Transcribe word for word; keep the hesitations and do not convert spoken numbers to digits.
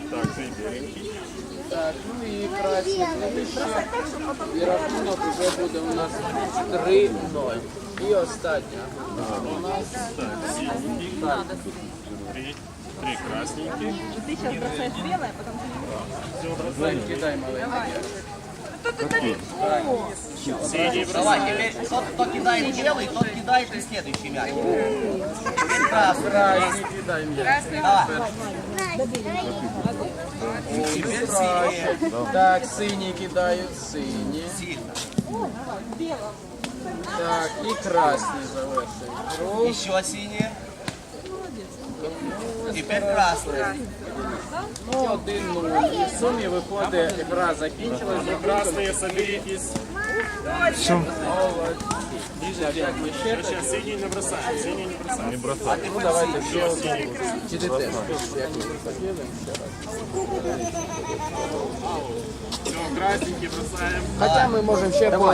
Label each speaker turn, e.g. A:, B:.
A: Так, цей біленький.
B: Так, ну і красні клавіші. І рахунок вже буде у нас три ноль. І остання. У нас
A: Так, синенький.
B: так,
A: Три, три красненьких.
C: Ты сейчас бросаешь белое, потом ты
A: Все, бросаем.
B: кидай маленький.
A: Синий
D: Давай,
A: бросаем.
D: теперь тот, кто кидает белый, тот кидает и следующий мяч. Теперь красный.
B: Красні кидай м'яч.
D: Давай. Теперь синий.
B: Так, сині кидають, сині.
D: Сильно.
B: Так, і красні завершують гру.
D: Еще синий. Теперь красный.
B: Ну, один нуль. І в сумі виходить, гра закінчилась.
A: Красные, соберитесь.
B: Так, як ми ще так?
A: Сейчас синий не бросаем. Синий не бросаем. Не бросаем.
B: Ну, давайте ще
A: Все,
B: один.
A: синий.
B: Чи ти теж? Як ми поділимо ще раз.
A: Все, красненький бросаем.
B: Хоча ми можемо ще